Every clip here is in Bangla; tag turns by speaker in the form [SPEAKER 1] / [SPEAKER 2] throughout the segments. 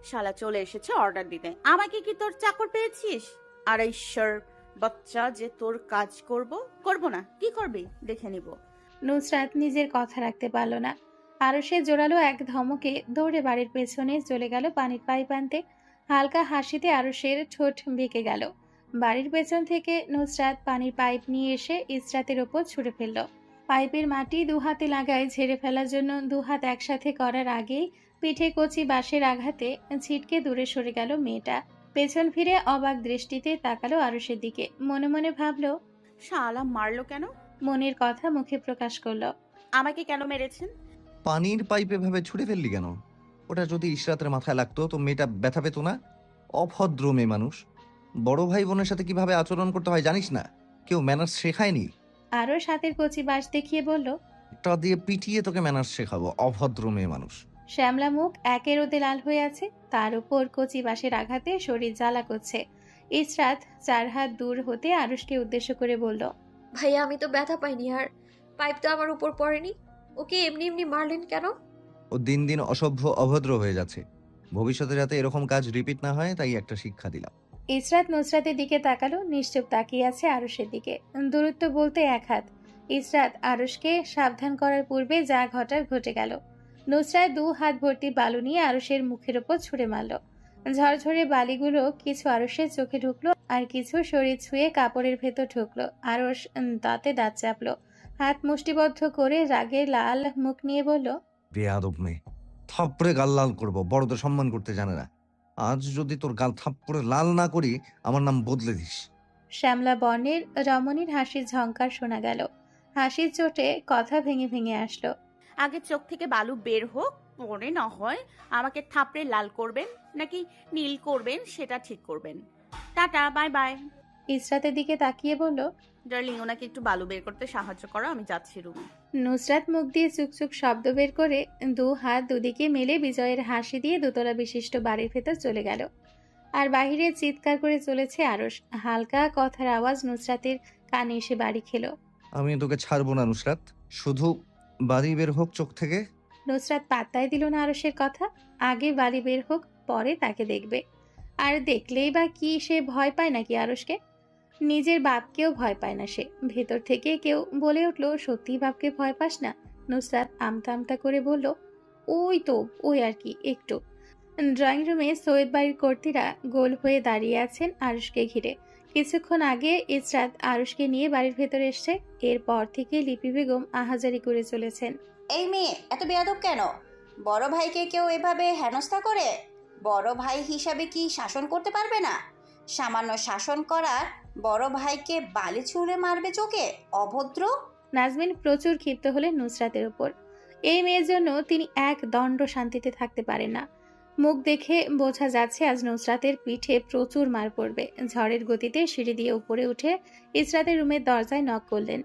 [SPEAKER 1] শালা চলে এসেছে অর্ডার দিতে। আমাকে কি তোর চাকর পেয়েছিস? আর ঈশ্বর বাচ্চা যে তোর কাজ করব না, কি করবি দেখে নিব।
[SPEAKER 2] নুসরাত নিজের কথা রাখতে পারল না। আরো সে জোরালো এক ধমকে দৌড়ে বাড়ির পেছনে চলে গেল পানির পাইপ আনতে। হালকা হাসিতে আরশের ঠোঁট বেঁকে গেল। বাড়ির পেছন থেকে নুসরাত পানির পাইপ নিয়ে এসে ইসরাতের ওপর ছুঁড়ে ফেলল। পাইপের মাটি দুহাতে লাগায় ঝেড়ে ফেলার জন্য দুহাত একসাথে করার আগেই পিঠে কচি বাঁশের আঘাতে ছিটকে দূরে সরে গেল মেয়েটা। পেছন ফিরে অবাক দৃষ্টিতে তাকালো আরশের দিকে। মনে মনে ভাবল,
[SPEAKER 1] শালা মারলো কেন?
[SPEAKER 2] মনের কথা মুখে প্রকাশ করলো।
[SPEAKER 1] আমাকে কেন মেরেছেন?
[SPEAKER 3] পানির পাইপে ভাবে ছুড়ে ফেললি কেন? ওটা যদি ইশরাতের মাথায় লাগতো তো মেয়েটা ব্যথা পেত না? অভদ্র মেয়ে মানুষ। বড় ভাই বোনের সাথে কিভাবে আচরণ করতে হয় জানিস না? কেউ ম্যানার্স শেখায়নি?
[SPEAKER 2] আরও হাতের কচি বাঁশ দেখিয়ে বলল।
[SPEAKER 3] এটা দিয়ে পিটিয়ে তোকে ম্যানার্স শেখাবো, অভদ্র মেয়ে মানুষ।
[SPEAKER 2] শ্যামলা মুখ একে রোদে লাল হয়ে আছে, তার উপর কচি বাঁশের আঘাতে শরীর জ্বালা করছে। ইসরাত 4 হাত দূর হতে আরুষকে উদ্দেশ্য করে বলল,
[SPEAKER 4] ভাইয়া আমি তো ব্যথা পাইনি, আর পাইপ তো আমার উপর পড়েনি। ওকে এমনি এমনি মারলেন কেন?
[SPEAKER 3] ও দিন দিন অসভ্য অভদ্র হয়ে যাচ্ছে। ভবিষ্যতে যাতে এরকম কাজ রিপিট না হয় তাই একটা শিক্ষা দিলাম।
[SPEAKER 2] ইসরাত নুসরাতের দিকে তাকালো। নিশ্চুপ তাকিয়ে আছে আরুষের দিকে। দূরত্ব বলতে 1 হাত। ইসরাত আরুষকে সাবধান করার পূর্বে যা ঘটার ঘটে গেল। নুসরাত 2 হাত ভর্তি বালু নিয়ে আরুষের মুখের ওপর ছুঁড়ে মারল। ঝরঝরে বালিগুলো কিছু আরুষের চোখে ঢুকলো, আর কিছু শরীর ছুঁয়ে কাপড়ের ভেতর ঢুকলো। আরুষ দাঁতে দাঁত চাপলো। হাত মুষ্টিবদ্ধ করে রাগে লাল মুখ নিয়ে বলল,
[SPEAKER 3] বেয়াদব মেয়ে, থাপ্পড়ে গাল লাল করবো, বড়দের সম্মান করতে জানে না। আজ যদি তোর গাল থাপ্পড়ে লাল না করি আমার নাম বদলে দিস।
[SPEAKER 2] শ্যামলা বর্ণের রমণীর হাসির ঝংকার শোনা গেল। হাসির চোটে কথা ভেঙে ভেঙে আসলো।
[SPEAKER 1] আগে চোখ থেকে বালু বের হোক, পরে না হয় আমাকে থাপড়ে লাল করবেন নাকি নীল করবেন সেটা ঠিক করবেন। Tata, bye bye.
[SPEAKER 2] ইসরাতের দিকে তাকিয়ে বলল,
[SPEAKER 1] ডার্লিং, ওনাকে একটু বালু বের করতে সাহায্য করো, আমি যাচ্ছি রুমে।
[SPEAKER 2] নুসরাত মুখ দিয়ে চুকচুক শব্দ বের করে 2 হাত দুদিকে মেলে বিজয়ের হাসি দিয়ে দোতলা বিশিষ্ট বাড়ির ভেতর চলে গেল। আর বাহিরে চিৎকার করে চলেছে আরশ। হালকা কথার আওয়াজ নুসরাতের কানে এসে বাড়ি খেলো।
[SPEAKER 3] আমি তোকে ছাড়বো না নুসরাত, শুধু বাড়ি বের হোক চোখ থেকে।
[SPEAKER 2] নুসরাত পাত্তাই দিল না আরশের কথা। আগে বাড়ি বের হোক, পরে তাকে দেখবে। আর দেখলেই বা কি সে ভয় পায় নাকি আরশকে? নিজের বাপকেও ভয় পায় না সে। ভেতর থেকে কেউ বলে উঠল, সত্যি বাপকে ভয় পাস না? নুসরাত আমতা আমতা করে বলল, ওই তো, ওই আর কি একটু। ড্রয়িং রুমে সৈয়দ বাড়ির কর্তীরা গোল হয়ে দাঁড়িয়ে আছেন আরুষকে ঘিরে। কিছুক্ষণ আগে ইসরাত আরুষকে নিয়ে বাড়ির ভেতরে এসছে। এরপর থেকে লিপি বেগম আহাজারি করে চলেছেন।
[SPEAKER 5] এই মেয়ে এত বেয়াদব কেন? বড় ভাইকে কেউ এভাবে হেনস্থা করে? বড় ভাই হিসাবে কি শাসন করতে পারবে না? সামান্য শাসন করার বড় ভাইকে বালি ছুঁড়ে মারবে চোখে? অভদ্র!
[SPEAKER 2] নাজমিন প্রচুর ক্ষিপ্ত হলেন নুসরাতের উপর। এই মেয়ের জন্য তিনি এক দণ্ড শান্তিতে থাকতে পারেন না। মুখ দেখে বোঝা যাচ্ছে আজ নুসরাতের পিঠে প্রচুর মার পড়বে। ঝড়ের গতিতে সিঁড়ি দিয়ে উপরে উঠে ইসরাতের রুমের দরজায় নক করলেন।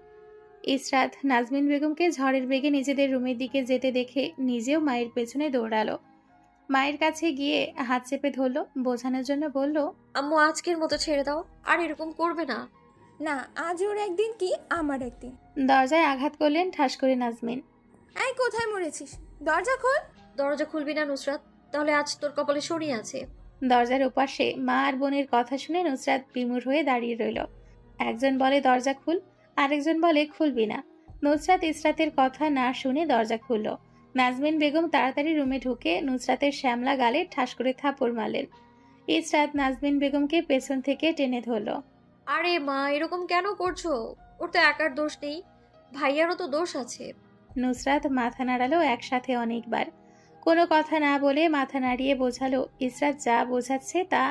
[SPEAKER 2] ইসরাত নাজমিন বেগমকে ঝড়ের বেগে নিজেদের রুমের দিকে যেতে দেখে নিজেও মায়ের পেছনে দৌড়ালো। মায়ের কাছে গিয়ে হাত চেপে ধরলো, বোঝানোর জন্য বলল,
[SPEAKER 4] আম্মু আজকের মতো ছেড়ে দাও, আর এরকম করবে না।
[SPEAKER 6] না, আজ ওর একদিন কি আমার একদিন।
[SPEAKER 2] দরজায় আঘাত করলেন ঠাস করে নাজমিন।
[SPEAKER 6] এই কোথায় মরেছিস? দরজা খোল।
[SPEAKER 4] দরজা খুলবি না নুসরাত, তাহলে আজ তোর কপালে শনি আছে।
[SPEAKER 2] দরজার ওপাশে মা আর বোনের কথা শুনে নুসরাত বিমূঢ় হয়ে দাঁড়িয়ে রইল। একজন বলে দরজা খুল, আরেকজন বলে খুলবি না। নুসরাত ইসরাতের কথা না শুনে দরজা খুলল। নাজমিন বেগম তাড়াতাড়ি রুমে ঢুকে নুসরাতের শ্যামলা গালে ঠাস করে থাপড় মারলেন। ইসরাত নাজমিন বেগমকে পেছন থেকে টেনে ধরল।
[SPEAKER 4] আরে মা, এরকম কেন করছো? ওর তো একার দোষ নেই, ভাইয়ারও তো দোষ আছে।
[SPEAKER 2] নুসরাত মাথা নাড়ালো একসাথে অনেকবার। কোনো কথা না বলে মাথা নাড়িয়ে বোঝালো ইসরাত যা বোঝাচ্ছে তা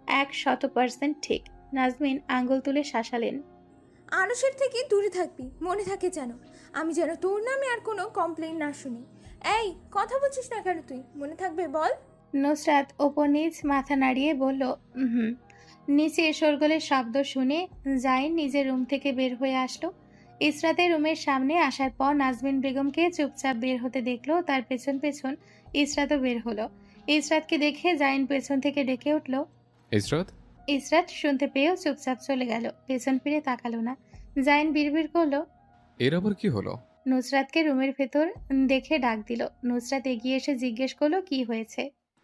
[SPEAKER 2] 100% ঠিক। নাজমিন আঙ্গুল তুলে শাসালেন।
[SPEAKER 6] আরশের থেকে দূরে থাকবি, মনে থাকে যেন। আমি যেন তোর নামে আর কোনো কমপ্লেন না শুনি। এই কথা বলছিস না কেন তুই? মনে থাকবে বল।
[SPEAKER 2] নুসরাত ওপর নিচ মাথা নাড়িয়ে বলল, হুম। নিচে শোরগোলের শব্দ শুনে জাইন নিজের রুম থেকে বের হয়ে আসলো। ইসরাতের রুমের সামনে আসার পর নাজমিন বেগমকে চুপচাপ বের হতে দেখলো। তার পেছন পেছন ইসরাতও বের হলো। ইসরাতকে দেখে জাইন পেছন থেকে ডেকে উঠল।
[SPEAKER 7] ইসরাত,
[SPEAKER 2] ইসরাত শুনতে পেয়েও চুপচাপ চলে গেল, পেছন ফিরে তাকালো না। জাইন বিড়বিড় করলো,
[SPEAKER 7] এর আবার কি হলো?
[SPEAKER 2] নুসরাতকে রুমের ভেতর দেখে ডাক দিল। নুসরাত এগিয়ে এসে জিজ্ঞেস করলো কি হয়েছে।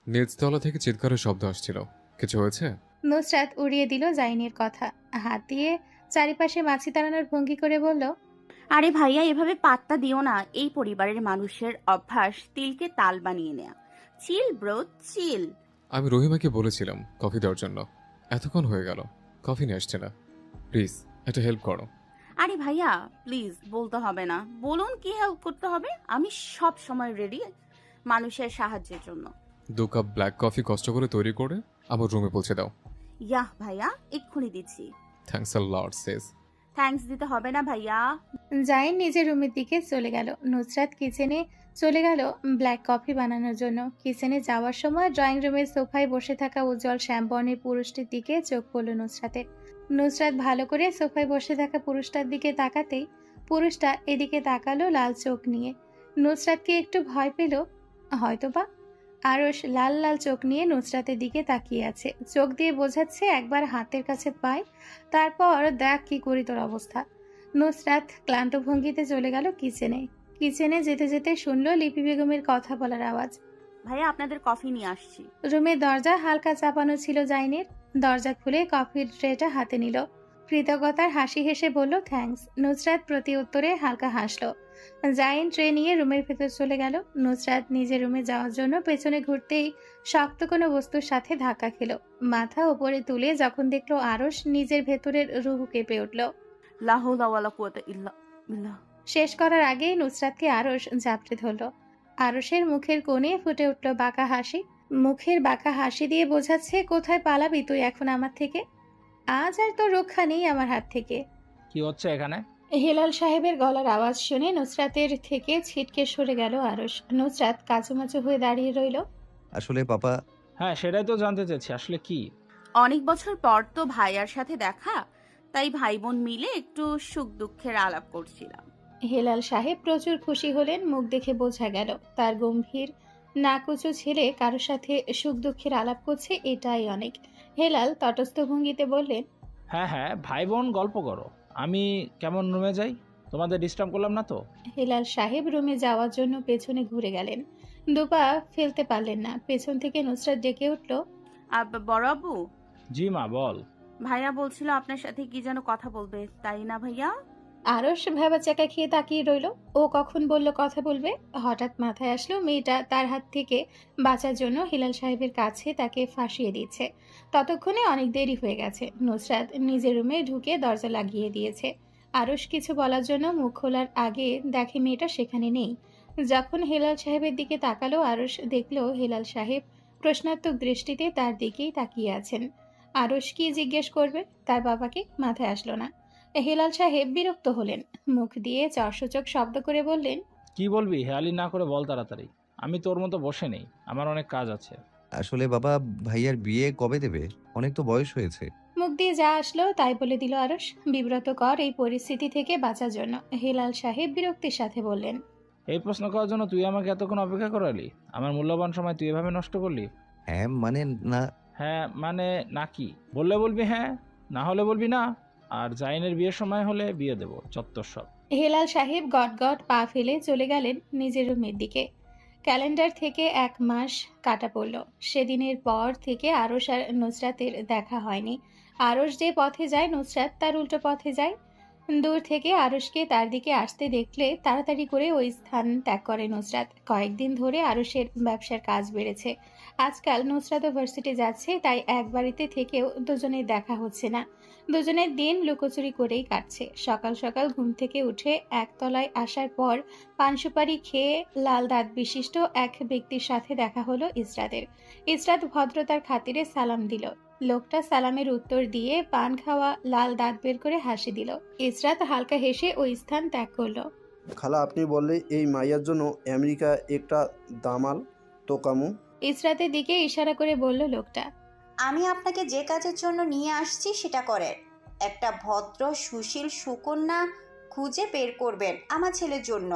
[SPEAKER 7] নিচতলা থেকে চিৎকারের শব্দ আসছিল। কিছু হয়েছে?
[SPEAKER 2] নুসরাত উড়িয়ে দিল জাইনের কথা, হাত দিয়ে চারিপাশে মাছি তাড়ানোর ভঙ্গি করে বলল,
[SPEAKER 1] আরে ভাইয়া, এভাবে পাত্তা দিও না। এই পরিবারের মানুষের অভ্যাস তিলকে তাল বানিয়ে নেয়া। Chill bro, chill.
[SPEAKER 7] আমি রহিমাকে বলেছিলাম কফি দেওয়ার জন্য। এতক্ষণ হয়ে গেল, কফি নিয়ে আসছে না। প্লিজ একটা হেল্প করো।
[SPEAKER 1] আরে ভাইয়া প্লিজ, বলতে হবে না। বলুন কি হেল্প করতে হবে। আমি সব সময় রেডি মানুষের সাহায্যের জন্য।
[SPEAKER 7] 2 কাপ ব্ল্যাক কফি কষ্ট করে তৈরি করে আমার রুমে পৌঁছে দাও।
[SPEAKER 1] ইয়াহ ভাইয়া, এক্ষুনি দিচ্ছি।
[SPEAKER 7] Thanks a lot Sage.
[SPEAKER 1] Thanks দিতে হবে না ভাইয়া।
[SPEAKER 2] জাইন নিজের রুমের দিকে চলে গেল। নুসরাত কিচেনে চলে গেল ব্ল্যাক কফি বানানোর জন্য। কিচেনে যাওয়ার সময় ড্রয়িং রুমের সোফায় বসে থাকা উজ্জ্বল শ্যামবর্ণের পুরুষটির দিকে চোখ পড়ল নুসরাতের। নুসরাত ভালো করে সোফায় বসে থাকা পুরুষটার দিকে তাকাতেই পুরুষটা এদিকে তাকালো লাল চোখ নিয়ে। নুসরাতকে একটু ভয় পেল হয়তোবা। আরশ লাল লাল চোখ নিয়ে নুসরাতের দিকে তাকিয়ে আছে, চোখ দিয়ে বোঝাচ্ছে একবার হাতের কাছে পায়, তারপর দেখ কি করি তোর অবস্থা। নুসরাত ক্লান্ত ভঙ্গিতে চলে গেল কিচেনে। কিচেনে যেতে যেতে শুনলো লিপি বেগমের কথা বলার আওয়াজ।
[SPEAKER 1] ভাইয়া আপনাদের কফি নিয়ে আসছি।
[SPEAKER 2] রুমের দরজা হালকা চাপানো ছিল জাইনের। দরজা খুলে কফির ট্রেটা হাতে নিল। কৃতজ্ঞতার হাসি হেসে বলল থ্যাঙ্কস। নুসরাত প্রতি উত্তরে হালকা হাসলো। জাইন ট্রে নিয়ে রুমের ভেতর চলে গেল। নুসরাত নিজের রুমে যাওয়ার জন্য পেছনে ঘুরতেই শক্ত কোনো বস্তুর সাথে ধাক্কা খেল। মাথা উপরে তুলে যখন দেখলো আরশ, নিজের ভেতরের রুহু কেঁপে উঠল।
[SPEAKER 1] লা হাওলা ওয়ালা কুওয়াতা ইল্লা বিল্লাহ।
[SPEAKER 2] শেষ করার আগেই নুসরাতকে আরশ জাপটে ধরল। আরশের মুখের কোণে ফুটে উঠল বাঁকা হাসি। মুখের বাঁকা হাসি দিয়ে বোঝাচ্ছে কোথায় পালাবি তুই এখন আমার থেকে? আজ আর তোর রক্ষা নেই আমার হাত থেকে।
[SPEAKER 8] কি হচ্ছে এখানে?
[SPEAKER 2] হেলাল সাহেবের গলার আওয়াজ শুনে নুসরাতের থেকে ছিটকে সরে গেল আরশ। নুসরাত কাচুমাচু হয়ে দাঁড়িয়ে রইল।
[SPEAKER 3] আসলে পাপা,
[SPEAKER 8] হ্যাঁ, সেটাই তো জানতে চাইছি, আসলে কি?
[SPEAKER 1] অনেক বছর পর তো ভাইয়ার সাথে দেখা, তাই ভাই বোন মিলে একটু সুখ দুঃখের আলাপ করছিলাম।
[SPEAKER 2] হেলাল সাহেব প্রচুর খুশি হলেন। মুখ দেখে বোঝা গেল তার গম্ভীর নাকুচু ছেলে কারোর সাথে সুখ দুঃখের আলাপ করছে, এটাই অনেক। হেলাল তটস্থ ভঙ্গিতে বললেন,
[SPEAKER 8] হ্যাঁ হ্যাঁ, ভাই বোন গল্প করো। আমি কেমন রুমে যাই? তোমাদের ডিস্টার্ব করলাম না তো?
[SPEAKER 2] হেলাল সাহেব রুমে যাওয়ার জন্য পেছনে ঘুরে গেলেন। দুপা ফেলতে পারলেন না। পেছন থেকে নুসরাত ডেকে উঠল,
[SPEAKER 1] বড় আব্বু,
[SPEAKER 8] জি মা, বল।
[SPEAKER 1] ভাইয়া বলছিল আপনার সাথে কি যেন কথা বলবে, তাই না ভাইয়া?
[SPEAKER 2] আরশ ভেবা চাকা খেয়ে তাকিয়ে রইল। ও কখন বলল কথা বলবে? হঠাৎ মাথায় আসলো মেয়েটা তার হাত থেকে বাঁচার জন্য হিলাল সাহেবের কাছে তাকে ফাঁসিয়ে দিচ্ছে। ততক্ষণে অনেক দেরি হয়ে গেছে। নুসরাত নিজের রুমে ঢুকে দরজা লাগিয়ে দিয়েছে। আরশ কিছু বলার জন্য মুখ খোলার আগে দেখে মেয়েটা সেখানে নেই। যখন হেলাল সাহেবের দিকে তাকালো আরশ দেখলো হেলাল সাহেব প্রশ্নাত্মক দৃষ্টিতে তার দিকেই তাকিয়ে আছেন। আরশ কি জিজ্ঞেস করবে তার বাবাকে, মাথায় আসলো না। হেলাল সাহেব বিরক্ত হলেন। মুখ দিয়ে চরসূচক শব্দ করে বললেন,
[SPEAKER 8] কি বলবি? হেয়ালি না করে বল তাড়াতাড়ি। আমি তোর মতো বসে নেই, আমার অনেক কাজ আছে।
[SPEAKER 3] আসলে বাবা, ভাইয়ার বিয়ে কবে দেবে? অনেক তো বয়স হয়েছে।
[SPEAKER 2] মুখ দিয়ে যা আসলো তাই বলে দিল আরশ। বিব্রতকর এই পরিস্থিতি থেকে বাঁচার জন্য হেলাল সাহেব বিরক্তির সাথে বললেন,
[SPEAKER 8] এই প্রশ্ন করার জন্য তুই আমাকে এতক্ষণ অপেক্ষা করালি? আমার মূল্যবান সময় তুই এভাবে নষ্ট করলি?
[SPEAKER 3] হ্যাঁ মানে না।
[SPEAKER 8] হ্যাঁ মানে না কি? বললে বলবি হ্যাঁ, না হলে বলবি না। আর জাইনের বিয়ের সময় হলে বিয়ে দেবো, চত্বর সব।
[SPEAKER 2] হেলাল সাহেব গট গট পা ফেলে চলে গেলেন নিজের রুমের দিকে। ক্যালেন্ডার থেকে 1 মাস কাটা পড়ল। সেদিনের পর থেকে আরশ আর নুসরাতের দেখা হয়নি। আরশ যে পথে যায় নুসরাত তার উল্টো পথে যায়। দূর থেকে আরশকে তার দিকে আসতে দেখলে তাড়াতাড়ি করে ওই স্থান ত্যাগ করে নুসরাত। কয়েকদিন ধরে আরশের ব্যবসার কাজ বেড়েছে। আজকাল নুসরাত ভার্সিটি যাচ্ছে, তাই এক বাড়িতে থেকেও দুজনের দেখা হচ্ছে না। দুজনের দিন লুকোচুরি করেই কাটছে। সকাল সকাল ঘুম থেকে উঠে একতলায় আসার পর পান সুপারি খেয়ে লাল দাঁত বিশিষ্ট এক ব্যক্তির সাথে দেখা হলো ইসরাতের। ইসরাত ভদ্রতার খাতিরে সালাম দিল। লোকটা সালামের উত্তর দিয়ে পান খাওয়া লাল দাঁত বের করে হাসি দিল। ইসরাত হালকা হেসে ওই স্থান ত্যাগ করলো।
[SPEAKER 9] খালা, আপনি বললে এই মাইয়ার জন্য আমেরিকা একটা দামাল তোকামু।
[SPEAKER 2] ইসরাতের দিকে ইশারা করে বলল লোকটা,
[SPEAKER 5] আমি আপনাকে যে কাজের জন্য নিয়ে আসছি সেটা করেন। একটা ভদ্র সুশীল সুকন্যা খুঁজে বের করবেন আমার ছেলের জন্য।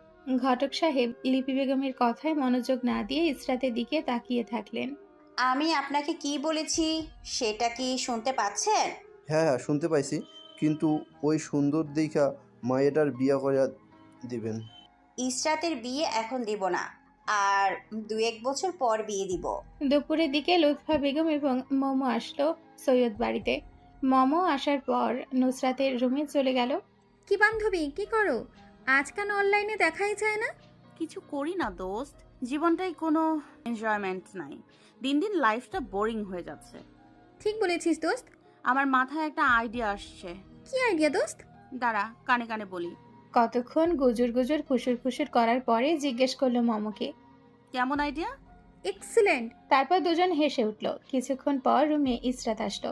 [SPEAKER 2] ঘটক সাহেব লিপি বেগমের কথায় মনোযোগ না দিয়ে ইসরাতের দিকে তাকিয়ে থাকলেন।
[SPEAKER 5] আমি আপনাকে কি বলেছি সেটা কি শুনতে পাচ্ছেন?
[SPEAKER 9] হ্যাঁ হ্যাঁ, শুনতে পাইছি, কিন্তু ওই সুন্দর দেখা মাইয়াটার বিয়া করিয়া দিবেন।
[SPEAKER 5] ইসরাতের বিয়ে এখন দিব না। আর 2-1 বছর পর বিয়ে দিব।
[SPEAKER 2] দুপুরের দিকে লুৎফা বেগম এবং মোমো আসলো সৈয়দ বাড়িতে। মোমো আসার পর নুসরাতের রুমে চলে গেল।
[SPEAKER 6] কি বান্ধবী, কি করো? আজকাল অনলাইনে দেখাই যায় না।
[SPEAKER 1] কিছু করি না দোস্ত, জীবনটাই কোনো এনজয়মেন্ট নাই। দিন দিন লাইফটা বোরিং হয়ে যাচ্ছে।
[SPEAKER 6] ঠিক বলেছিস দোস্ত।
[SPEAKER 1] আমার মাথায় একটা আইডিয়া আসছে।
[SPEAKER 6] কি আইডিয়া দোস্ত?
[SPEAKER 1] দাঁড়া, কানে কানে বলি।
[SPEAKER 2] কতক্ষণ গুজুর গুজুর ফুসুর ফুসুর করার পরে জিজ্ঞেস করলো মোমোকে,
[SPEAKER 1] কেমন আইডিয়া?
[SPEAKER 6] এক্সিলেন্ট।
[SPEAKER 2] তারপর দুজন হেসে উঠল। কিছুক্ষণ পর রুমে ইসরাত আসলো।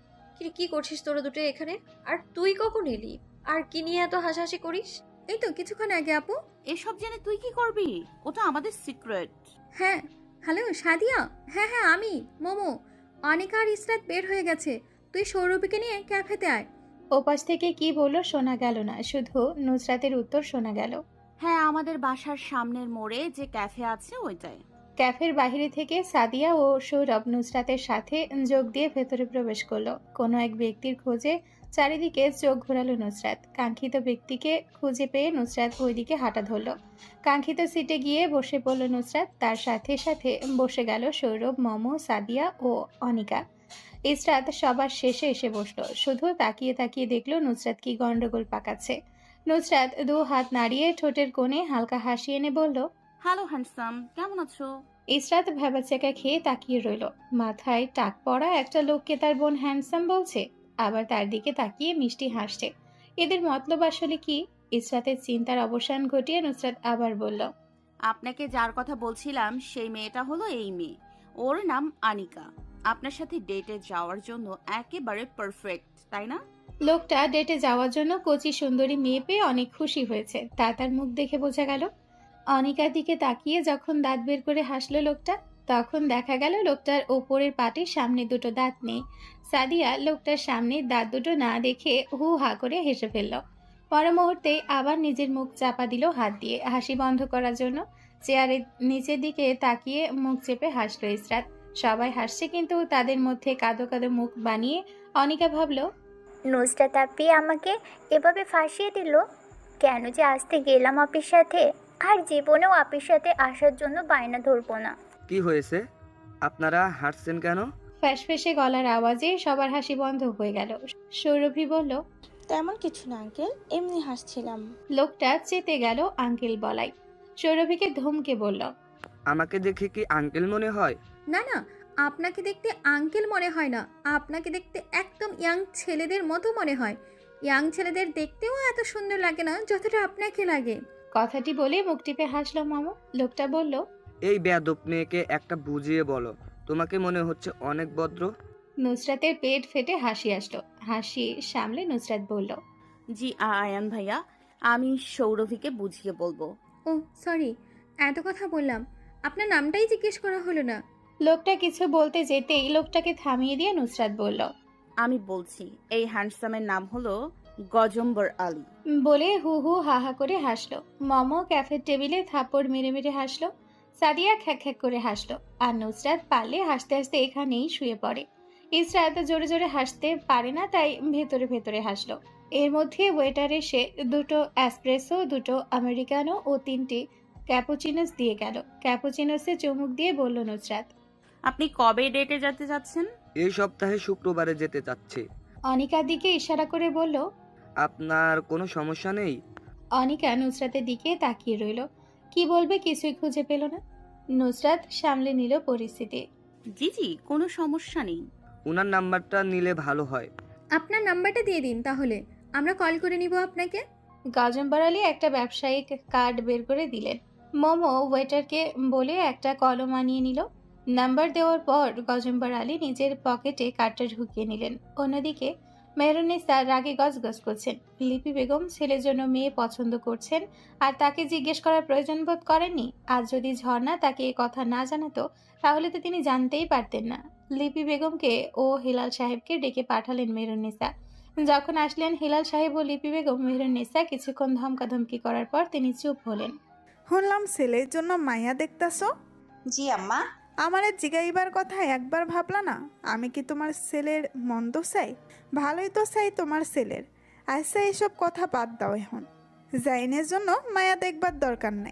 [SPEAKER 4] কি করছিস তোরা দুটো এখানে? আর তুই কখন এলি? আর কি নিয়ে এত হাসাহাসি করিস?
[SPEAKER 6] এই তো কিছুক্ষণ আগে আপু।
[SPEAKER 1] এসব জেনে তুই কি করবি? ওটা আমাদের সিক্রেট।
[SPEAKER 6] হ্যাঁ, হ্যালো সাদিয়া। হ্যাঁ হ্যাঁ, আমি মোমো। অনিকা আর ইসরাত বের হয়ে গেছে, তুই সৌরভীকে নিয়ে ক্যাফেতে আয়।
[SPEAKER 2] ওপাশ থেকে কি বললো শোনা গেল না, শুধু নুসরাতের উত্তর শোনা গেল।
[SPEAKER 1] হ্যাঁ, আমাদের বাসার সামনের মোড়ে যে ক্যাফে আছে ওইটাই।
[SPEAKER 2] ক্যাফের বাইরে থেকে সাদিয়া ও সৌরভ নুসরাতের সাথে যোগ দিয়ে ভেতরে প্রবেশ করলো। কোনো এক ব্যক্তির খোঁজে চারিদিকে চোখ ঘোরালো নুসরাত। কাঙ্ক্ষিত ব্যক্তিকে খুঁজে পেয়ে নুসরাত ওইদিকে হাঁটা ধরল। কাঙ্ক্ষিত সিটে গিয়ে বসে পড়ল নুসরাত। তার সাথে সাথে বসে গেল সৌরভ, মোমো, সাদিয়া ও অনিকা। ইসরাত সবার শেষে এসে বসলো। শুধু তাকিয়ে তাকিয়ে দেখলো নুসরাত কি গন্ডগোল পাকাচ্ছে। নুসরাত 2 হাত নাড়িয়ে ঠোঁটের কোণে হালকা হাসি এনে বলল,
[SPEAKER 1] হ্যালো হ্যান্ডসাম, কেমন আছো?
[SPEAKER 2] ইসরাত ভ্যাবাচ্যাকা খেয়ে তাকিয়ে রইল। মাথায় টাক পড়া একটা লোককে তার বোন হ্যান্ডসাম বলছে, আবার তার দিকে তাকিয়ে মিষ্টি হাসছে। এদের মতলব আসলে কি? ইসরাতের চিন্তার অবসান ঘটিয়ে নুসরাত আবার বলল,
[SPEAKER 1] আপনাকে যার কথা বলছিলাম সেই মেয়েটা হলো এই মেয়ে। ওর নাম আনিকা। আপনার সাথে ডেটে যাওয়ার জন্য একেবারে পারফেক্ট, তাই না?
[SPEAKER 2] লোকটা ডেটে যাওয়ার জন্য কচি সুন্দরী মেয়ে পেয়ে অনেক খুশি হয়েছে, তা তার মুখ দেখে বোঝা গেল। অনিকার দিকে তাকিয়ে যখন দাঁত বের করে হাসলো লোকটা, তখন দেখা গেল লোকটার ওপরের পাটির সামনে দুটো দাঁত নেই। সাদিয়া লোকটার সামনে দাঁত দুটো না দেখে হু হা করে হেসে ফেলল। পর মুহূর্তেই আবার নিজের মুখ চাপা দিল হাত দিয়ে হাসি বন্ধ করার জন্য। চেয়ারের নিচের দিকে তাকিয়ে মুখ চেপে হাসলো ইসরাত। সবাই হাসছে, কিন্তু তাদের মধ্যে কাঁদো কাঁদো মুখ বানিয়ে অনিকা ভাবল,
[SPEAKER 10] নুসরাত আপি আমাকে এভাবে ফাঁসিয়ে দিল। কেন যে আসতে গেলাম আপির সাথে, আর জীবনেও আপির সাথে আসার জন্য বায়না ধরবো না।
[SPEAKER 11] কি হয়েছে? আপনারা হাসছেন কেন?
[SPEAKER 2] ফ্যাসফেসে গলার আওয়াজে সবার হাসি বন্ধ হয়ে গেল। সৌরভী বলল,
[SPEAKER 12] তেমন কিছু না আঙ্কেল, এমনি হাসছিলাম।
[SPEAKER 2] লোকটা চেতে গেল আঙ্কেল বলাই। সৌরভীকে ধমকে বলল,
[SPEAKER 11] আমাকে দেখে কি আঙ্কেল মনে হয়?
[SPEAKER 6] না না, আপনাকে দেখতে আঙ্কেল মনে হয় না, আপনাকে দেখতে একদম ইয়াং ছেলেদের মতো মনে হয়। ইয়াং ছেলেদের দেখতেও এত সুন্দর লাগে না যতটা আপনাকে লাগে।
[SPEAKER 2] কথাটি বলে মুখ টিপে হাসলো মামু। লোকটা বলল,
[SPEAKER 11] এই বেয়াদব মেয়েকে একটা বুঝিয়ে বলো, তোমাকে মনে হচ্ছে অনেক ভদ্র।
[SPEAKER 2] নুসরাতের পেট ফেটে হাসি আসলো। হাসি সামলে নুসরাত বলল,
[SPEAKER 1] জি আয়ান ভাইয়া, আমি সৌরভীকে বুঝিয়ে বলবো।
[SPEAKER 6] ও সরি, এত কথা বললাম, আপনার নামটাই জিজ্ঞেস করা হলো না।
[SPEAKER 2] লোকটা কিছু বলতে যেতেই লোকটাকে থামিয়ে দিয়ে নুসরাত বলল,
[SPEAKER 1] আমি বলছি, এই হ্যান্ডসামের নাম হলো গজম্বর আলী।
[SPEAKER 2] বলে হু হু হা হা করে হাসলো। মোমো ক্যাফের টেবিলে থাপ্পড় মেরে মেরে হাসলো। সাদিয়া খ্যাক খ্যাক করে হাসলো। আর নুসরাত পারলে হাসতে হাসতে এখানেই শুয়ে পড়ে। ইসরাত জোরে জোরে হাসতে পারে না, তাই ভেতরে ভেতরে হাসলো। এর মধ্যে ওয়েটার এসে 2টো অ্যাসপ্রেসো, 2টো আমেরিকানো ও 3টি ক্যাপুচিনোস দিয়ে গেল। ক্যাপুচিনোসে চুমুক দিয়ে বলল নুসরাত,
[SPEAKER 1] আপনি কবে ডেটে যেতে যাচ্ছেন?
[SPEAKER 11] এই সপ্তাহে শুক্রবারে যেতে চাচ্ছি।
[SPEAKER 2] অনিকার দিকে ইশারা করে বলল,
[SPEAKER 11] আপনার কোনো সমস্যা নেই?
[SPEAKER 2] অনিকা নুসরাতের দিকে তাকিয়ে রইল। কি বলবে কিছুই খুঁজে পেল না। নুসরাত সামলে নিল পরিস্থিতি।
[SPEAKER 1] জি জি, কোনো সমস্যা নেই।
[SPEAKER 11] ওনার নাম্বারটা নিলে ভালো হয়।
[SPEAKER 6] আপনার নাম্বারটা দিয়ে দিন, তাহলে আমরা কল করে নিব আপনাকে।
[SPEAKER 2] গজম্বর আলী একটা ব্যবসায়িক কার্ড বের করে দিলেন। মোমো ওয়েটারকে বলে একটা কলম আনিয়ে নিল। নাম্বার দেওয়ার পর গজম্বর আলী নিজের পকেটে কার্ডটা ঢুকিয়ে নিলেন। অন্যদিকে মেহরুন্নিসা রাগে গজগজ করছেন। লিপি বেগম ছেলের জন্য মেয়ে পছন্দ করছেন, আর তাকে জিজ্ঞেস করার প্রয়োজন বোধ করেননি। আর যদি ঝর্ণা তাকে এ কথা না জানাতো, তাহলে তো তিনি জানতেই পারতেন না। লিপি বেগমকে ও হিলাল সাহেবকে ডেকে পাঠালেন মেহরুন্নিসা। যখন আসলেন হিলাল সাহেব ও লিপি বেগম, মেহরুন্নিসা কিছুক্ষণ ধমকাধমকি করার পর তিনি চুপ হলেন।
[SPEAKER 13] শুনলাম ছেলের জন্য মাইয়া দেখতাছ?
[SPEAKER 5] জি আম্মা।
[SPEAKER 13] আমারে জিগাইবার কথা একবার ভাবলা না? আমি কি তোমার ছেলের মন্দ চাই? ভালোই তো চাই তোমার ছেলের। আচ্ছা, এইসব কথা বাদ দাও এখন। জাইনের জন্য মায়া দেখবার দরকার নাই।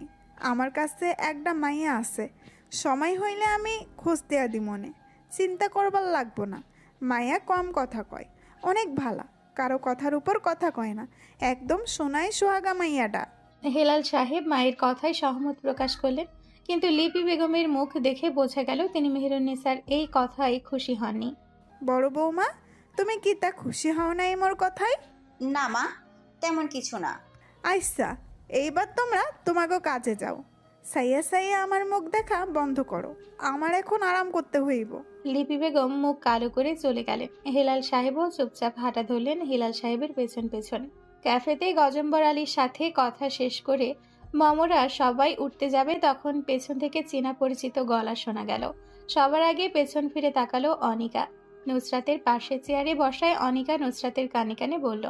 [SPEAKER 13] আমার কাছে একটা মাইয়া আছে, সময় হইলে আমি খোঁজ দেয়া দি মনে, চিন্তা করবার লাগবো না। মাইয়া কম কথা কয়, অনেক ভালা, কারো কথার উপর কথা কয় না, একদম সোনাই সোহাগা মাইয়াটা।
[SPEAKER 2] হেলাল সাহেব মায়ের কথায় সহমত প্রকাশ করলেন, কিন্তু লিপি বেগমের মুখ দেখে বোঝা গেল তিনি মেহেরুন্নেসার এই কথায় খুশি হননি।
[SPEAKER 13] বড় বৌমা, তুমি কি তা খুশি হও নাই মোর কথায়?
[SPEAKER 5] না মা, তেমন কিছু না।
[SPEAKER 13] আচ্ছা, এইবার তোমরা তোমাকে কাজে যাও। সাইয়া সাইয়া আমার মুখ দেখা বন্ধ করো, আমার এখন আরাম করতে হইব।
[SPEAKER 2] লিপি বেগম মুখ কালো করে চলে গেলেন। হেলাল সাহেবও চুপচাপ হাঁটা ধরলেন হেলাল সাহেবের পেছন পেছন। ক্যাফেতে গজম্বর আলীর সাথে কথা শেষ করে মমরা সবাই উঠতে যাবে, তখন পেছন থেকে চেনা পরিচিত গলা শোনা গেল। সবার আগে পেছন ফিরে তাকালো অনিকা। নুসরাতের পাশে চেয়ারে বসায় অনিকা নুসরাতের কানে কানে বলল,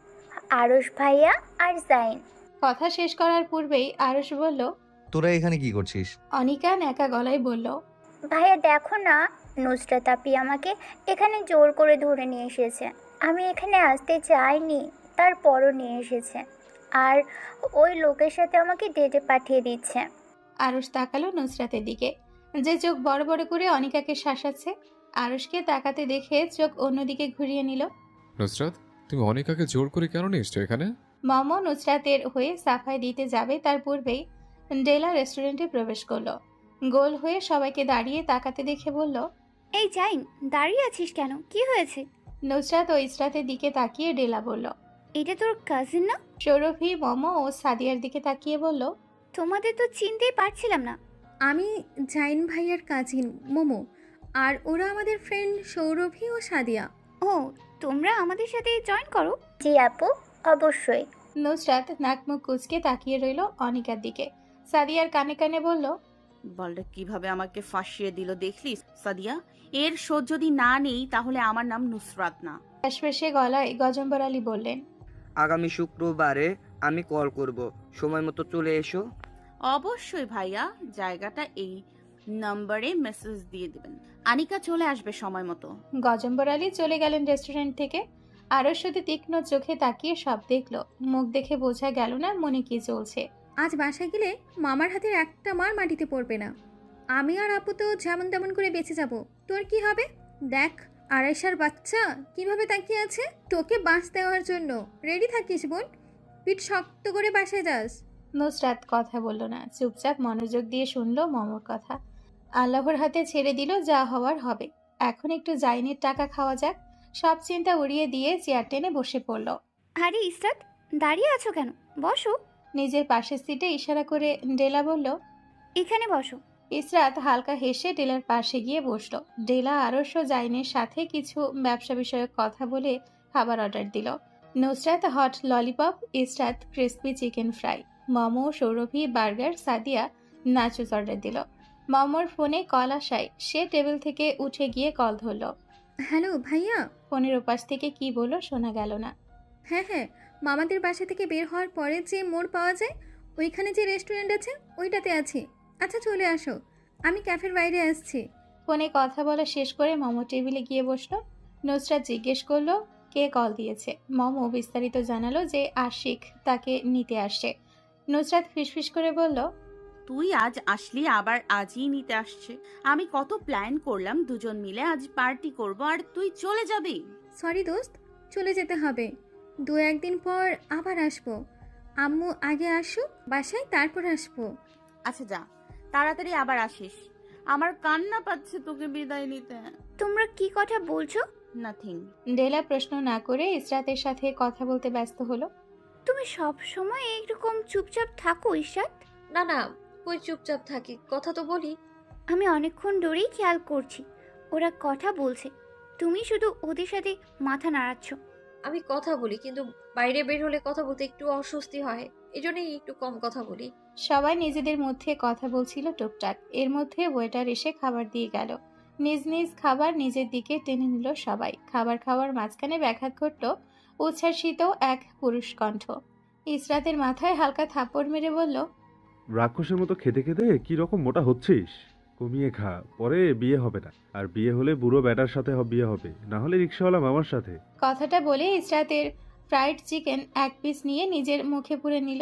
[SPEAKER 10] আরশ ভাইয়া আর জাইন।
[SPEAKER 2] কথা শেষ করার পূর্বেই আরশ বলল,
[SPEAKER 3] তোরা এখানে কি করছিস?
[SPEAKER 2] অনিকা ন্যাকা গলায় বলল,
[SPEAKER 10] ভাইয়া দেখো না, নুসরাত আপি আমাকে এখানে জোর করে ধরে নিয়ে এসেছে। আমি এখানে আসতে চাইনি, তারপরও নিয়ে এসেছে, আর ওই লোকের সাথে আমাকে ডেটে পাঠিয়ে দিচ্ছে।
[SPEAKER 2] আরশ তাকালো নুসরাতের দিকে, যে চোখ বড় বড় করে অনিকাকে শাসাচ্ছে। আরশকে তাকাতে দেখে চোখ অন্যদিকে ঘুরিয়ে নিল।
[SPEAKER 7] নুসরাত, তুমি অনিকাকে জোর করে কেন নিয়ে এসছো এখানে?
[SPEAKER 2] মম নুসরাতের হয়ে সাফাই দিতে যাবে তার পূর্বেই ডেলা রেস্টুরেন্টে প্রবেশ করলো। গোল হয়ে সবাইকে দাঁড়িয়ে তাকাতে দেখে বলল,
[SPEAKER 14] এই জাইন, দাঁড়িয়ে আছিস কেন? কি হয়েছে?
[SPEAKER 2] নুসরাত ও ইসরাতের দিকে তাকিয়ে ডেলা বলল,
[SPEAKER 14] এটা তোর কাজিন না?
[SPEAKER 2] সৌরভী মম ও সাদিয়ার দিকে তাকিয়ে বলল,
[SPEAKER 14] তোমাদের তো চিনতেই পারছিলাম না।
[SPEAKER 6] আমি জাইন ভাইয়ার কাজিন মোমো, আর ওরা আমাদের ফ্রেন্ড সৌরভী ও সাদিয়া।
[SPEAKER 14] ও, তোমরা আমাদের সাথে জয়েন করো?
[SPEAKER 10] জি আপু, অবশ্যই।
[SPEAKER 2] নুসরাত নাক মুখ কুচকে তাকিয়ে রইল অনিকার দিকে। সাদিয়ার কানে কানে বলল,
[SPEAKER 1] বলটা কিভাবে আমাকে ফাঁসিয়ে দিল দেখলি সাদিয়া? এর শোধ যদি না নেই তাহলে আমার নাম নুসরাত না।
[SPEAKER 2] ফ্যাসফ্যাসে গলায় গজম্বর আলী বললেন,
[SPEAKER 11] আগামী শুক্রবারে আমি কল করব, সময় মতো চলে এসো।
[SPEAKER 1] অবশ্যই ভাইয়া, জায়গাটা এই নম্বরে মেসেজ দিয়ে দিবেন, আনিকা চলে আসবে সময় মতো।
[SPEAKER 2] গজম্বর আলী চলে গেলেন রেস্টুরেন্ট থেকে। আরও শুধু তীক্ষ্ণ চোখে তাকিয়ে সব দেখলো। মুখ দেখে বোঝা গেল না মনে কি চলছে।
[SPEAKER 6] আজ বাসায় গেলে মামার হাতের একটা মার মাটিতে পড়বে না। আমি আর আপু তো যেমন তেমন করে বেঁচে যাব। তোর কি হবে? দেখ, আড়াইশার বাচ্চা কিভাবে তাকিয়ে আছে তোকে বাঁচ দেওয়ার জন্য। রেডি থাকিস বোন, পিঠ শক্ত করে বাসায় যাস।
[SPEAKER 2] নুসরাত কথা বলল না, চুপচাপ মনোযোগ দিয়ে শুনলো মমর কথা। আল্লাহর হাতে ছেড়ে দিল, যা হওয়ার হবে। এখন একটু জাইনের টাকা খাওয়া যাক। সব চিন্তা উড়িয়ে দিয়ে চেয়ার টেনে বসে পড়ল।
[SPEAKER 14] আরে ইসরাত, দাঁড়িয়ে আছো কেন? বসো।
[SPEAKER 2] নিজের পাশের সিটে ইশারা করে ডেলা বলল,
[SPEAKER 14] এখানে বসো।
[SPEAKER 2] ইসরাত হালকা হেসে ডেলার পাশে গিয়ে বসলো। ডেলা আরশ জাইনের সাথে কিছু ব্যবসা বিষয়ক কথা বলে খাবার অর্ডার দিল। Nusrat hot lollipop, Israt crispy chicken fry, Momo, Sourovi burger, Sadia nachos order দিল। মোমোর ফোনে কল আসায় সে টেবিল থেকে উঠে গিয়ে কল ধরল।
[SPEAKER 6] হ্যালো ভাইয়া।
[SPEAKER 2] ফোনের ওপাশ থেকে কি বলল শোনা গেল না।
[SPEAKER 6] হ্যাঁ, মামাদের বাসা থেকে বের হওয়ার পরে যে মোড় পাওয়া যায় ওইখানে যে রেস্টুরেন্ট আছে ওইটাতে আছি। আচ্ছা চলে আসো, আমি ক্যাফের বাইরে আসছি।
[SPEAKER 2] ফোনে কথা বলা শেষ করে মোমো টেবিলে গিয়ে বসলো। নুসরাত জিজ্ঞেস করলো কে কল দিয়েছে। মোমো বিস্তারিত জানালো যে আশিক তাকে নিতে আসছে। নুসরাত ফিসফিস করে বলল,
[SPEAKER 1] তুই আজ আসলি, আবার আজই নিতে আসছে। আমি কত প্ল্যান করলাম দুজন মিলে আজ পার্টি করব, আর তুই চলে যাবি।
[SPEAKER 6] সরি দোস্ত, চলে যেতে হবে। 2-1 দিন পর আবার আসবো। আম্মু আগে আসুক বাসায়, তারপর আসবো।
[SPEAKER 1] আচ্ছা যা, তাড়াতাড়ি আবার আসিস। আমার কান্না পাচ্ছে তোকে বিদায় নিতে।
[SPEAKER 14] তোমরা কি কথা বলছো?
[SPEAKER 1] নাথিং।
[SPEAKER 2] ডেলা প্রশ্ন না করে ইসরাতের সাথে কথা বলতে ব্যস্ত হলো।
[SPEAKER 14] তুমি সব সময় এইরকম চুপচাপ থাকো ইশরাত?
[SPEAKER 4] না না, কই চুপচাপ থাকি, কথা তো বলি।
[SPEAKER 14] আমি অনেকক্ষণ ধরেই খেয়াল করছি, ওরা কথা বলছে, তুমি শুধু ওদের সাথে মাথা নাড়াচ্ছ।
[SPEAKER 4] আমি কথা বলি, কিন্তু বাইরে বের হলে কথা বলতে একটু অস্বস্তি হয়, এজন্যই একটু কম কথা বলি।
[SPEAKER 2] সবাই নিজেদের মধ্যে কথা বলছিল টুকটাক। এর মধ্যে ওয়েটার এসে খাবার দিয়ে গেল। নিজ নিজ খাবার নিজের দিকে টেনে নিল সবাই। খাবার খাওয়ার মাঝখানে ব্যাঘাত ঘটল উচ্ছ্বাসিত এক পুরুষ কণ্ঠ। ইসরাতের মাথায় হালকা থাপ্পড় মেরে বলল,
[SPEAKER 15] রাক্ষসের মতো খেতে খেতে কি রকম মোটা হচ্ছিস? কমিয়ে খা, পরে বিয়ে হবে না। আর বিয়ে হলে বুড়ো ব্যাটার সাথে বিয়ে হবে, না হলে রিক্সাওয়ালা মামার সাথে।
[SPEAKER 2] কথাটা বলে ইসরাতের ফ্রাইড চিকেন এক পিস নিয়ে নিজের মুখে পুরে নিল।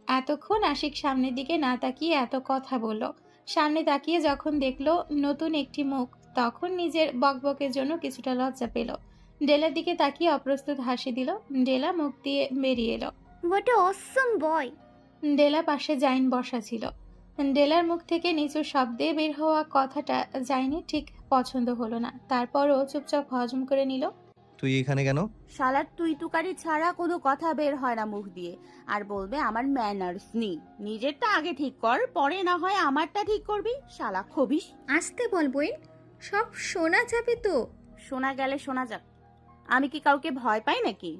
[SPEAKER 2] এতক্ষণ আশিক সামনের দিকে না তাকিয়ে এত কথা বলল। সামনে তাকিয়ে যখন দেখলো নতুন একটি মুখ, তখন নিজের বকবকের জন্য কিছুটা লজ্জা পেল। ডেলার দিকে তাকিয়ে অপ্রস্তুত হাসি দিল। ডেলা মুখ দিয়ে বেরিয়ে এলো।
[SPEAKER 14] হোয়াট এ অসম বয়।
[SPEAKER 2] ডেলা পাশে জাইন বসা ছিল। ডেলার মুখ থেকে নিচু শব্দে বের হওয়া কথাটা জাইনের ঠিক পছন্দ হলো না। তারপরও চুপচাপ হজম করে নিল।
[SPEAKER 3] তুই এখানে কেন?
[SPEAKER 1] শালার তুই তুকারি ছাড়া কোনো কথা বের হয় না মুখ দিয়ে। আর বলবে আমার ম্যানার্স নেই। নিজেরটা আগে ঠিক কর, পরে না হয় আমারটা ঠিক করবি। শালা খবিস।
[SPEAKER 6] আসতে বল বইন, সব শোনা যাবে তো।
[SPEAKER 1] শোনা গেলে শোনা যাক। আমি কি কাউকে ভয় পাই নাকি?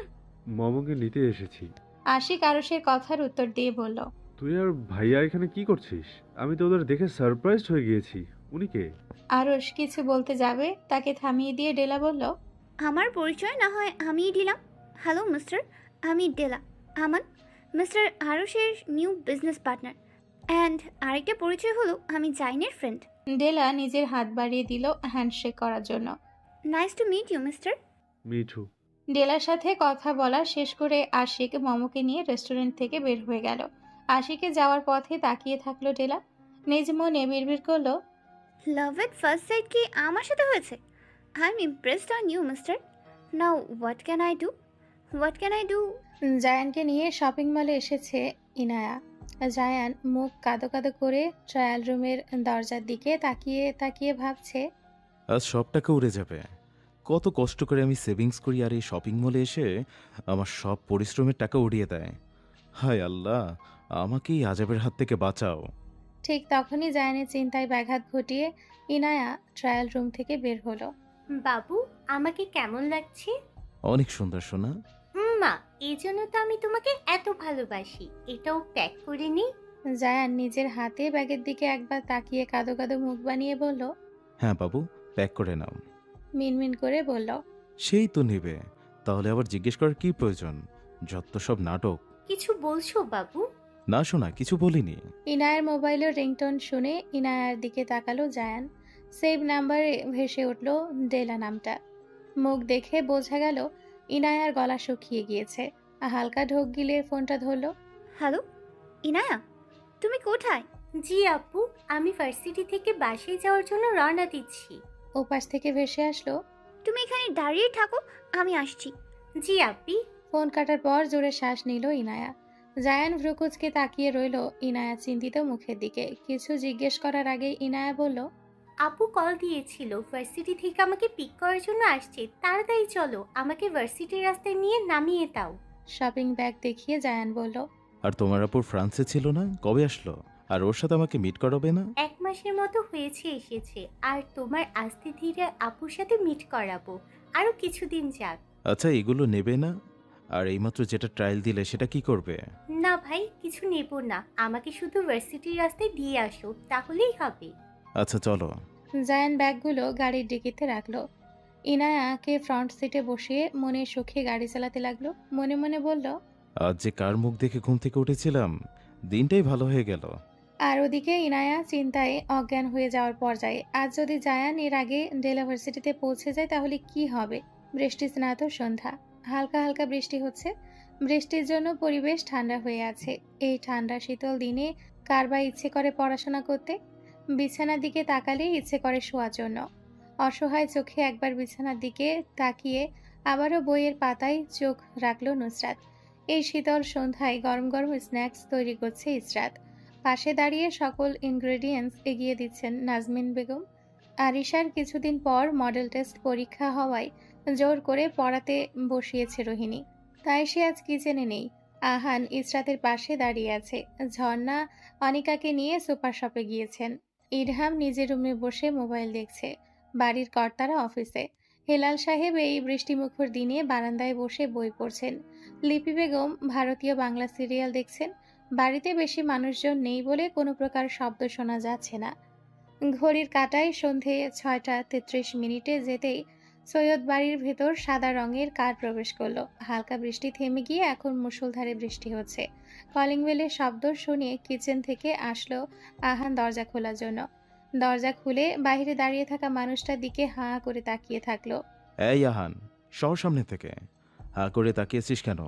[SPEAKER 15] মমকে নিতে এসেছি।
[SPEAKER 2] আশিক আরশের কথার উত্তর দিয়ে বলল,
[SPEAKER 15] তুই আর ভাইয়া এখানে কি করছিস? আমি তো ওদের দেখে সারপ্রাইজড হয়ে গিয়েছি। উনি কে?
[SPEAKER 2] আরশ কিছু বলতে যাবে, তাকে থামিয়ে দিয়ে ডেলা বলল,
[SPEAKER 14] আমার পরিচয় না হয় আমিই দিলাম। হ্যালো মিস্টার, আমি ডেলা আমান, মিস্টার আরুষের নিউ বিজনেস পার্টনার। অ্যান্ড আরেকটা পরিচয় হলো আমি জাইনের ফ্রেন্ড।
[SPEAKER 2] ডেলা নিজের হাত বাড়িয়ে দিল হ্যান্ডশেক করার জন্য।
[SPEAKER 14] Nice to meet you mister.
[SPEAKER 15] Mithu.
[SPEAKER 2] ডেলার সাথে কথা বলা শেষ করে আশিক মমকে নিয়ে রেস্টুরেন্ট থেকে বের হয়ে গেল। আশিকে যাওয়ার পথে তাকিয়ে থাকলো ডেলা। নিজ মনে বিড়বিড় করলো,
[SPEAKER 14] লাভ এট ফার্স্ট সাইট কি আমার সাথে হয়েছে? I am impressed on you mister. Now what can I do? What can I do?
[SPEAKER 2] জায়ানকে নিয়ে শপিং মলে এসেছে ইনায়া। জায়ান মুখ কাদো কাদো করে ট্রায়াল রুমের দরজার দিকে তাকিয়ে তাকিয়ে ভাবছে,
[SPEAKER 16] আজ সব টাকা উড়ে যাবে। কত কষ্ট করে আমি সেভিংস করি, আর এই শপিং মলে এসে আমার সব পরিশ্রমের টাকা উড়িয়ে দেয়। হায় আল্লাহ, আমাকেই আজাবের হাত থেকে বাঁচাও।
[SPEAKER 2] ঠিক তখনই জায়ানের চিন্তায় ব্যাঘাত ঘটিয়ে ইনায়া ট্রায়াল রুম থেকে বের হলো।
[SPEAKER 17] বাবু, আমাকে কেমন লাগছে?
[SPEAKER 16] অনেক সুন্দর সোনা।
[SPEAKER 17] মা, এই জন্য তো আমি তোমাকে এত ভালোবাসি। এটাও প্যাক করে নি।
[SPEAKER 2] জায়ান নিজের হাতে ব্যাগের দিকে একবার তাকিয়ে কাদো কাদো মুখ বানিয়ে বলল,
[SPEAKER 16] হ্যাঁ বাবু, প্যাক করে নাও।
[SPEAKER 2] মিনমিন করে বলল,
[SPEAKER 16] সেই তো নেবে, তাহলে আবার জিজ্ঞেস করার কি প্রয়োজন? যত সব নাটক।
[SPEAKER 17] কিছু বলছো বাবু?
[SPEAKER 16] না শোনা, কিছু বলিনি।
[SPEAKER 2] ইনায়ার মোবাইলের রিংটোন শুনে ইনায়ার দিকে তাকালো জায়ান। সেভ নাম্বারে ভেসে উঠল ডেলা নামটা। মুখ দেখে বোঝা গেল ইনায়ার গলা শুকিয়ে গিয়েছে। হালকা ঢোক গিলে ফোনটা ধরলো।
[SPEAKER 14] হ্যালো ইনায়া, তুমি কোথায়?
[SPEAKER 17] জি আপু, আমি ভার্সিটি থেকে বাসায় যাওয়ার জন্য রওনা দিচ্ছি।
[SPEAKER 2] ওপাশ থেকে ভেসে আসলো,
[SPEAKER 14] তুমি এখানে দাঁড়িয়ে থাকো, আমি আসছি।
[SPEAKER 17] জি আপি।
[SPEAKER 2] ফোন কাটার পর জোরে শ্বাস নিল ইনায়া। জায়ান ভ্রুকুচকে তাকিয়ে রইল ইনায়া চিন্তিত মুখের দিকে। কিছু জিজ্ঞেস করার আগে ইনায়া বলল,
[SPEAKER 17] আপু কল দিয়েছিল, ভার্সিটি থেকে আমাকে পিক করার জন্য আসছে। তাড়াতাড়ি চলো, আমাকে ভার্সিটির রাস্তায় নিয়ে নামিয়ে দাও।
[SPEAKER 2] শপিং ব্যাগ দেখিয়ে জায়ান বলল,
[SPEAKER 16] আর তোমার আপুর ফ্রান্সে ছিল না, কবে আসলো? আর ওর সাথে আমাকে মিট করাবে না?
[SPEAKER 17] 1 মাসের মতো হয়েছে এসেছে। আর তোমার আস্তে ধীরে আপুর সাথে মিট করাবো, আরো কিছুদিন যাক।
[SPEAKER 16] আচ্ছা, এগুলো নেবে না? আর এইমাত্র যেটা ট্রায়াল দিলে সেটা কি করবে?
[SPEAKER 17] না ভাই, কিছু নেব না। আমাকে শুধু ভার্সিটির রাস্তায় দিয়ে আসো, তাহলেই হবে।
[SPEAKER 16] আচ্ছা চলো।
[SPEAKER 2] জায়ান ব্যাগগুলো গাড়ির ডিকিতে রাখলো। ইনায়াকে ফ্রন্ট সিটে বসিয়ে মনে সুখে গাড়ি চালাতে লাগলো। মনে মনে বলল,
[SPEAKER 16] আজ যে কার মুখ দেখে ঘুম থেকে উঠেছিলাম, দিনটাই ভালো হয়ে গেল।
[SPEAKER 2] আর ওদিকে ইনায়া চিন্তায় অজ্ঞান হয়ে যাওয়ার পর্যায়ে। আজ যদি জায়ান এর আগে ডেলা ভার্সিটিতে পৌঁছে যায় তাহলে কি হবে? বৃষ্টি স্নাত সন্ধ্যা, হালকা হালকা বৃষ্টি হচ্ছে। বৃষ্টির জন্য পরিবেশ ঠান্ডা হয়ে আছে। এই ঠান্ডা শীতল দিনে কার বা ইচ্ছে করে পড়াশোনা করতে? বিছানার দিকে তাকালেই ইচ্ছে করে শোয়ার জন্য। অসহায় চোখে একবার বিছানার দিকে তাকিয়ে আবারও বইয়ের পাতায় চোখ রাখল নুসরাত। এই শীতল সন্ধ্যায় গরম গরম স্ন্যাক্স তৈরি করছে ইসরাত। পাশে দাঁড়িয়ে সকল ইনগ্রেডিয়েন্টস এগিয়ে দিচ্ছেন নাজমিন বেগম। আরিশার কিছুদিন পর মডেল টেস্ট পরীক্ষা হওয়ায় জোর করে পড়াতে বসিয়েছে রোহিণী, তাই সে আজ কিচেনে নেই। আহান ইসরাতের পাশে দাঁড়িয়ে আছে। ঝর্ণা অনিকাকে নিয়ে সুপার শপে গিয়েছেন। ইরহাম নিজের রুমে বসে মোবাইল দেখছে। বাড়ির কর্তারা অফিসে। হেলাল সাহেব এই বৃষ্টিমুখর দিনে বারান্দায় বসে বই পড়ছেন। লিপি বেগম ভারতীয় বাংলা সিরিয়াল দেখছেন। বাড়িতে বেশি মানুষজন নেই বলে কোনো প্রকার শব্দ শোনা যাচ্ছে না। ঘড়ির কাঁটায় সন্ধে 6:33 যেতেই সৈয়দ বাড়ির ভেতর সাদা রঙের কার প্রবেশ করলো। হালকা বৃষ্টি থেমে গিয়ে এখন মুষলধারে বৃষ্টি হচ্ছে। কলিং বেলের শব্দ শুনিয়ে কিচেন থেকে আসলো আহান দরজা খোলার জন্য। দরজা খুলে বাইরে দাঁড়িয়ে থাকা মানুষটার দিকে হাঁ করে তাকিয়ে থাকলো।
[SPEAKER 16] এই আহান, সর সামনে থেকে। হা করে তাকিয়েছিস কেন?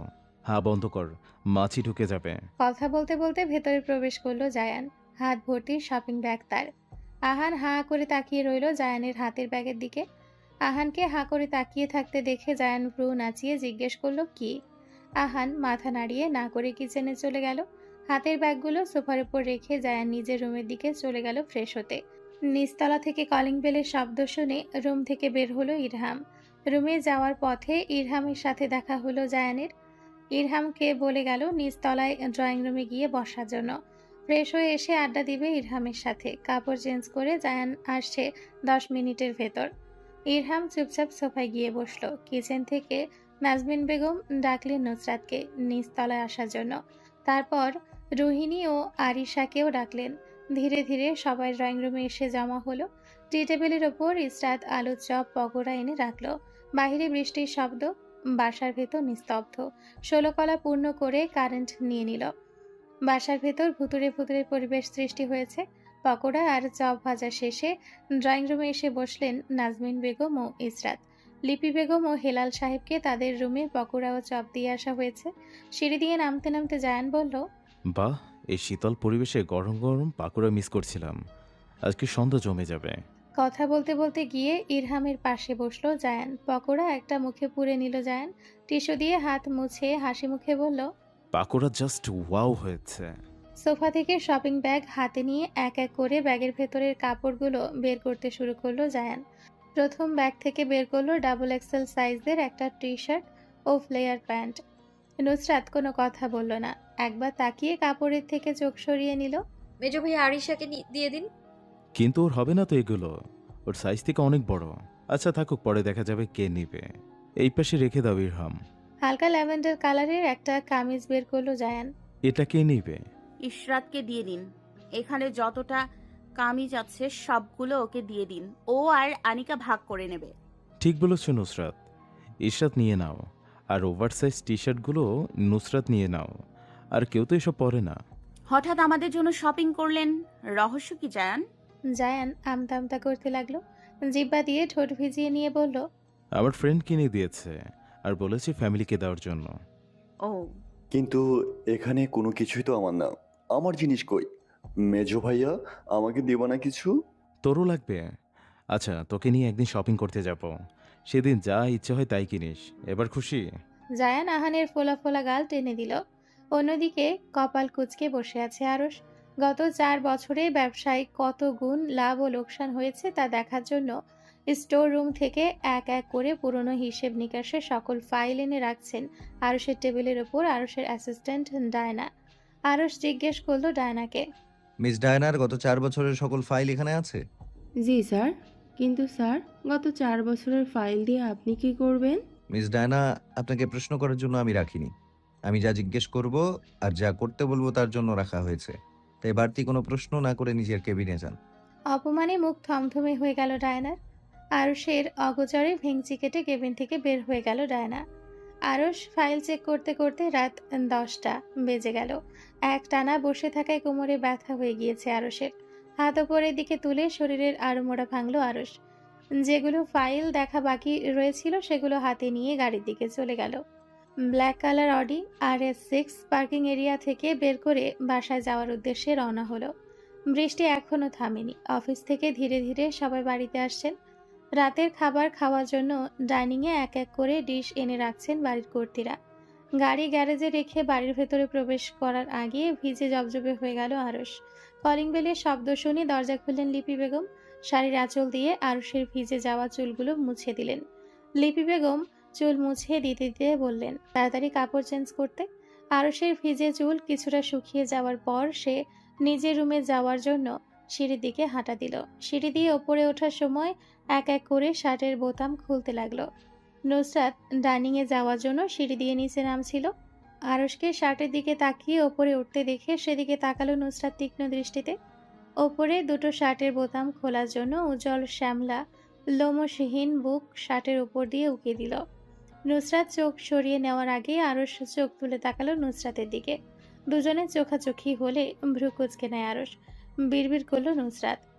[SPEAKER 16] হা বন্ধ কর, মাছি ঢুকে যাবে।
[SPEAKER 2] কথা বলতে বলতে ভেতরে প্রবেশ করলো জায়ান। হাত ভর্তি শপিং ব্যাগ তার। আহান হাঁ করে তাকিয়ে রইল জায়ানের হাতের ব্যাগের দিকে। আহানকে হাঁ করে তাকিয়ে থাকতে দেখে জায়ান ভ্রু নাচিয়ে জিজ্ঞেস করলো কি। আহান মাথা নাড়িয়ে না করে কিচেনে চলে গেল। হাতের ব্যাগগুলো সোফার উপর রেখে জায়ান নিজের রুমের দিকে চলে গেল ফ্রেশ হতে। নিচতলা থেকে কলিং বেলের শব্দ শুনে রুম থেকে বের হলো ইরহাম। রুমে যাওয়ার পথে ইরহামের সাথে দেখা হলো জায়ানের। ইরহামকে বলে গেল নিচতলায় ড্রয়িং রুমে গিয়ে বসার জন্য। ফ্রেশ হয়ে এসে আড্ডা দিবে ইরহামের সাথে। কাপড় চেঞ্জ করে জায়ান আসছে 10 মিনিটের ভেতর। ইরহাম চুপচাপ সোফায় গিয়ে বসলো। কিচেন থেকে নাজমিন বেগম ডাকলেন নুসরাতকে নিচতলায় আসার জন্য। তারপর রোহিণী ও আরিশাকেও ডাকলেন। ধীরে ধীরে সবাই ড্রয়িং রুমে এসে জমা হলো। টি টেবিলের ওপর ইসরাত আলুর চপ পকোড়া এনে রাখলো। বাহিরে বৃষ্টির শব্দ, বাসার ভেতর নিস্তব্ধ। 16 কলা পূর্ণ করে কারেন্ট নিয়ে নিল। বাসার ভেতর ভুতুরে ভুতুরে পরিবেশ সৃষ্টি হয়েছে। পকোড়া আর চপ ভাজা শেষে ড্রয়িং রুমে এসে বসলেন নাজমিন বেগম ও ইসরাত। লিপি বেগম ও হেলাল সাহেবকে তাদের রুমে পকোড়া ও চপ দিয়ে আসা হয়েছে। সিঁড়ি দিয়ে নামতে নামতে জায়ান বলল,
[SPEAKER 16] বাহ, এই শীতল পরিবেশে গরম গরম পাকোড়া মিস করছিলাম। আজকে সন্ধ্যা জমে যাবে।
[SPEAKER 2] কথা বলতে বলতে গিয়ে ইরহামের পাশে বসলো জায়ান। পকোড়া একটা মুখে পুরে নিল জায়ান। টিস্যু দিয়ে হাত মুছে হাসি মুখে বলল,
[SPEAKER 16] পাকোড়া জাস্ট ওয়াও হয়েছে।
[SPEAKER 2] সোফা থেকে শপিং ব্যাগ হাতে নিয়ে এক এক করে ব্যাগের ভেতরের কাপড়গুলো বের করতে শুরু করলো জায়ান। প্রথম ব্যাগ থেকে বের করলো ডাবল এক্সেল সাইজের একটা টি শার্ট ও ফ্লেয়ার প্যান্ট। নুসরাত কোনো কথা বলল না। একবার তাকিয়ে কাপড়ের থেকে চোখ সরিয়ে নিল।
[SPEAKER 4] মেজো ভাই আরিশাকে দিয়ে দিন।
[SPEAKER 16] কিন্তু ওর হবে না তো এগুলো, ওর সাইজ থেকে অনেক বড়। আচ্ছা থাকুক, পরে দেখা যাবে কে নিবে। এই পাশে রেখে দাও ইরহাম।
[SPEAKER 2] হালকা ল্যাভেন্ডার কালারের একটা কামিজ বের করলো জায়ান।
[SPEAKER 16] এটা কে নিবে?
[SPEAKER 1] ইশরাতকে দিয়ে দিন। এখানে যতটা কামিজ আছে সবগুলো ওকে দিয়ে দিন। ও আর আনিকা ভাগ করে নেবে।
[SPEAKER 16] ঠিক বলেছ নুসরাত, ইশরাত নিয়ে নাও। আর ওভারসাইজ টি শার্টগুলো নুসরাত নিয়ে নাও। আর কেউ তো এসব পরে না।
[SPEAKER 1] হঠাৎ আমাদের জন্য শপিং করলেন, রহস্য কি জায়ান?
[SPEAKER 2] জায়ান আমতা আমতা করতে লাগলো। জিব্বা দিয়ে ঠোঁট ভিজিয়ে নিয়ে বলল,
[SPEAKER 16] আমার ফ্রেন্ড কিনে দিয়েছে আর বলেছে ফ্যামিলিকে দেওয়ার জন্য।
[SPEAKER 1] ও,
[SPEAKER 18] কিন্তু এখানে কোনো কিছুই তো আমার না। আমার জিনিস কই? মেজো ভাইয়া আমাকে দেবা না কিছু?
[SPEAKER 16] তোরও লাগবে? আচ্ছা, তোকে নিয়ে একদিন শপিং করতে যাব। সেদিন যা ইচ্ছে হয় তাই কিনিস। এবার খুশি?
[SPEAKER 2] জায়ান আহানের ফোলা ফোলা গাল টেনে দিল। অন্যদিকে কপাল কুঁচকে বসে আছে আরশ। গত 4 বছরে ব্যবসায় কত গুণ লাভ ও লোকসান হয়েছে তা দেখার জন্য স্টোর রুম থেকে এক এক করে পুরনো হিসেব নিকাশের সকল ফাইল এনে রাখছেন আরশের টেবিলের ওপর আরশের অ্যাসিস্ট্যান্ট ডায়না। আরশ জিজ্ঞেস করলো ডায়নাকে,
[SPEAKER 3] মিস ডায়নার গত 4 বছরের সকল ফাইল এখানে আছে?
[SPEAKER 19] জি স্যার। কিন্তু স্যার, গত 4 বছরের ফাইল দিয়ে আপনি কি করবেন?
[SPEAKER 3] মিস ডায়না, আপনাকে প্রশ্ন করার জন্য আমি রাখিনি। আমি যা জিজ্ঞেস করব আর যা করতে বলবো তার জন্য রাখা হয়েছে। তাই বাড়তি কোনো প্রশ্ন না করে নিজের কেবিনে যান।
[SPEAKER 2] অপমানে মুখ থমথমে হয়ে গেল ডায়নার। আরশের অগোচরে ভেঙচি কেটে কেবিন থেকে বের হয়ে গেল ডায়না। আরশ ফাইল চেক করতে করতে রাত 10টা বেজে গেল। এক টানা বসে থাকায় কোমরে ব্যথা হয়ে গিয়েছে আরশের। হাত ওপরের দিকে তুলে শরীরের আড়মোড়া ভাঙল আরশ। যেগুলো ফাইল দেখা বাকি রয়েছিল সেগুলো হাতে নিয়ে গাড়ির দিকে চলে গেল। Black colour Audi RS6 parking area থেকে বের করে বাসায় যাওয়ার উদ্দেশ্যে রওনা হলো। বৃষ্টি এখনো থামেনি। অফিস থেকে ধীরে ধীরে সবাই বাড়িতে আসছেন। রাতের খাবার খাওয়ার জন্য ডাইনিংয়ে এক এক করে ডিশ এনে রাখছেন বাড়ির কর্তীরা। গাড়ি গ্যারেজে রেখে বাড়ির ভেতরে প্রবেশ করার আগে ভিজে জবজবে হয়ে গেল আরশ। কলিং বেলের শব্দ শুনে দরজা খুললেন লিপি বেগম। শাড়ির আঁচল দিয়ে আরশের ভিজে যাওয়া চুলগুলো মুছে দিলেন। লিপি বেগম চুল মুছে দিতে দিতে বললেন, তাড়াতাড়ি কাপড় চেঞ্জ করতে। আরশের ভিজে চুল কিছুটা শুকিয়ে যাওয়ার পর সে নিজের রুমে যাওয়ার জন্য সিঁড়ির দিকে হাঁটা দিল। সিঁড়ি দিয়ে ওপরে ওঠার সময় এক এক করে শার্টের বোতাম খুলতে লাগলো। নুসরাত ডাইনিংয়ে যাওয়ার জন্য সিঁড়ি দিয়ে নিচে নামছিল। আরশকে শার্টের দিকে তাকিয়ে ওপরে উঠতে দেখে সেদিকে তাকালো নুসরাত তীক্ষ্ণ দৃষ্টিতে। ওপরে দুটো শার্টের বোতাম খোলার জন্য উজ্জ্বল শ্যামলা লোমশহীন বুক শার্টের উপর দিয়ে উকিয়ে দিল। নুসরাত চোখ সরিয়ে নেওয়ার আগে আরশ চোখ তুলে তাকালো নুসরাতের দিকে। দুজনে চোখাচোখি হলে ভ্রু কুঁচকে নেয় আরশ। বিড়বিড় করলো নুসরাত,